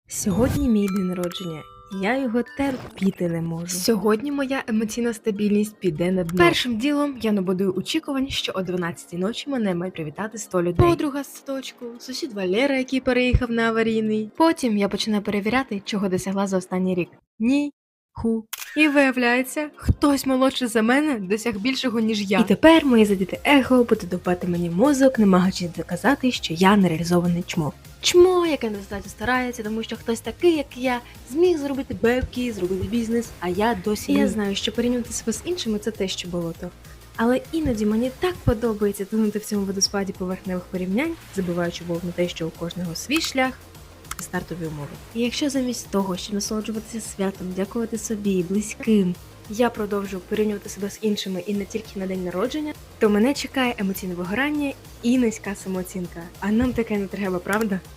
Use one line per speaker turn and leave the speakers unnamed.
Сьогодні мій день народження, і я його терпіти не можу. Сьогодні моя емоційна стабільність піде на дно. Першим ділом я набудую очікувань, що о 12-й ночі мене мають привітати 100 людей. Подруга з садочку, сусід Валера, який переїхав на аварійний. Потім я починаю перевіряти, чого досягла за останній рік. Ні. І виявляється, хтось молодший за мене досяг більшого, ніж я. І тепер моє задіте его буде допати мені мозок, намагаючись доказати, що я нереалізований чмо. Чмо, яке недостатньо старається, тому що хтось такий, як я, зміг зробити бебки, зробити бізнес, а я досі ні. Я знаю, що порівнювати себе з іншими – це те, що болото. Але іноді мені так подобається тонути в цьому водоспаді поверхневих порівнянь, забуваючи на те, що у кожного свій шлях, стартові умови. І якщо замість того, щоб насолоджуватися святом, дякувати собі і близьким, я продовжу порівнювати себе з іншими і не тільки на день народження, то мене чекає емоційне вигорання і низька самооцінка. А нам таке не треба, правда?